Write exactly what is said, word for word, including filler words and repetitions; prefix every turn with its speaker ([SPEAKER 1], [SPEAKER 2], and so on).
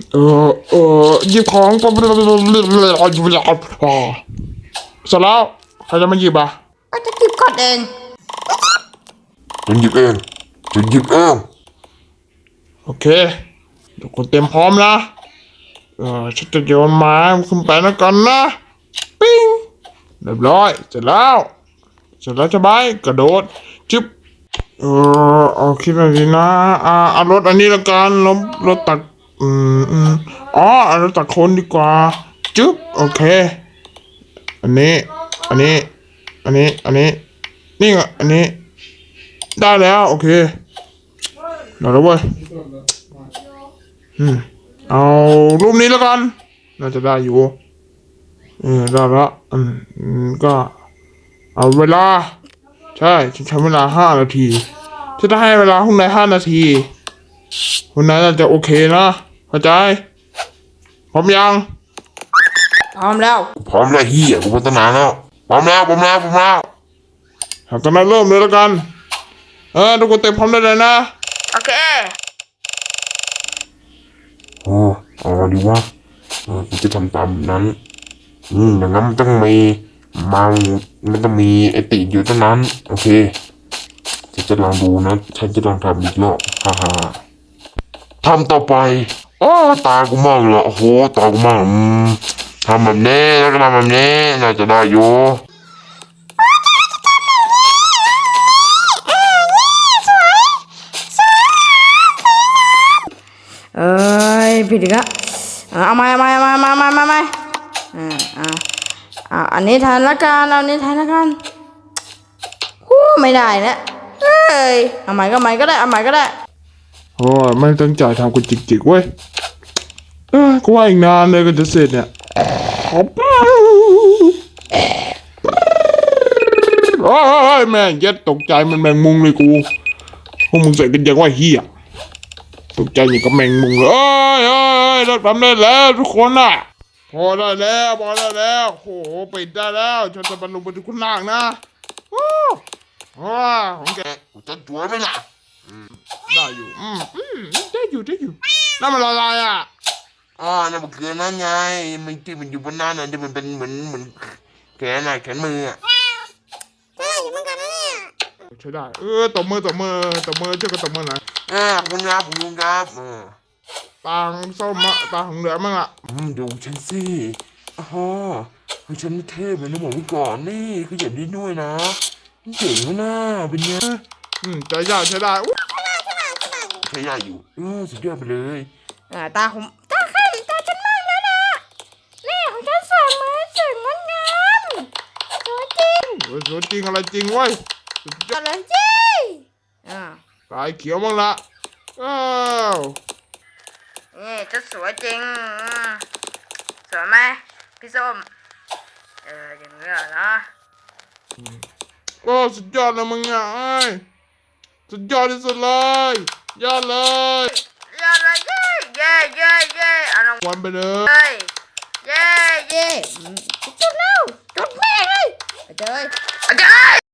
[SPEAKER 1] เออเออหยิบของเสร็จแล้วใครจะมาหยิบอ่ะ
[SPEAKER 2] ก็จะหยิบก่อนเอง
[SPEAKER 3] ฉันหยิบเองฉันหยิบเอง
[SPEAKER 1] โอเคทุกคนเตรียมพร้อมนะเออฉันจะโยนไม้ขึ้นไปนะกันนะปิ้งเรียบร้อยเสร็จแล้วเสร็จแล้วจะไปกระโดดจึ๊บเออเอาคิดอะไรดีนะอ่าเอารถอันนี้ละกันรถรถตักอืมอืมอ๋อเอารถตักคนดีกว่าจึ๊บโอเคอันนี้อันนี้อันนี้อันนี้นี่อ่ะอันนี้ได้แล้วโอเคเดี๋ยวเราเว้ยอืมเอารูปนี้แล้วกันน่าจะได้อยู่เออได้แล้วอืมอืมก็เอาเวลาใช่ฉันใช้เวลาห้านาทีฉันจะให้เวลาคุณนายห้านาทีคุณนายน่าจะโอเคนะเข้าใจพร้อมยัง
[SPEAKER 2] พร้อมแล้ว
[SPEAKER 3] พร้อมแล้วเฮียกูพัฒนาแล้วพร้อมแล้วพร้อมแล้วพร้อมแล้ว
[SPEAKER 1] ตอนนั้นเริ่มเลยแล้วกันเออทุกคนเต็มพร้อมได้เลยนะ
[SPEAKER 2] โอเค
[SPEAKER 3] โอ้เอาดีวะเออกูจะทำตามนั้นอืมอย่างนั้นมันต้องมีมังมันต้องมีไอติอยู่ตรงนั้นโอเคฉันจะลองดูนะฉันจะลองทำอีกรอบฮ่าฮ่าทำต่อไปโอ้ตากูมากเลยโอ้โหตากูมากอืมทำแบบนี้แล้วก็ทำแบบนี้น่าจะได้อยู่
[SPEAKER 2] เอ้ยผิดอีกแล้วเอามาเอามาเอามาเอามาเอามาเอามาอ่าอ่าอ่าอันนี้ทันละกันเอาอันนี้ทันละกันฮู้ไม่ได้นะเอ้ยเอาใหม่ก็ใหม่ก็ได้เอาใหม่ก็ได้
[SPEAKER 1] โอ้ยไม่ตั้งใจทำกูจิกๆเว้ยเออกูว่าอีกนานเลยก็จะเสร็จเนี่ยโอ้ยแม่งเย็ดตกใจมันแมงมุมเลยกูพวกมึงใส่กันยังว่าเฮียตกใจอย่างกับแมงมุมเลยเอ้ยเอ้ยรถปั๊มได้แล้วทุกคนน่ะพอได้แล้วพอได้แล้วโหปิดได้แล้วฉันจะบรรลุไปถึงคุณล่างนะโอ้โหของแก
[SPEAKER 3] จะจัวไหมล่ะ
[SPEAKER 1] ได้อยู่อืมอืมได้อยู่ได้อยู่นั่นมันอะไรอ่ะ
[SPEAKER 3] อ๋อนั่นมันคือนั่นไงมันที่มันอยู่บนนั้นน่ะที่มันเป็นเหมือนเหมือนแขนน่ะแขนมืออ่ะ
[SPEAKER 2] ได้อยู่เหมือนกันนะเนี่ย
[SPEAKER 1] ใช่ได้เออตบมือตบมือตบมือช่วยกันตบมือหน่อย
[SPEAKER 3] อ่าคุณครับคุณครับเออ
[SPEAKER 1] ตาของส้มอะตาของเหลือมั่งอ่ะ
[SPEAKER 3] อืมดูฉันสิอ๋อให้ฉันเทพเลยนะบอกไว้ก่อนนี่คืออย่างนี้ด้วยนะเจ๋งนะเป็นไง
[SPEAKER 1] อืมใจยากใช่ได้อุ๊ย
[SPEAKER 3] ใช้ได้อยู่เออสุดยอดไปเลย
[SPEAKER 2] อ่าตาผมตาข้าตาฉันมากแล้วนะนี่ของฉันสวยเหมือนสวยงดงามสวยจริง
[SPEAKER 1] เออสวยจริงอะไรจริงเว้ยสุดยอด
[SPEAKER 2] อะไรจริงอ่า
[SPEAKER 1] ตายเขียวมั่งละอ้าว
[SPEAKER 2] นี่จะสวยจริงสวยไหมพี่ส้มเอออย่างนี้เหรอนะ
[SPEAKER 1] โอ้สุดยอดเลยมึงอ่ะไอ้ยสุดยอดที่สุดเลยยอดเลย
[SPEAKER 2] ยอดเลยเย้เย้เย้เย้เอาลง
[SPEAKER 1] วันไปเลย
[SPEAKER 2] เย้เย้จุดแล้วจุดแม่เลยไปเลยไปเลย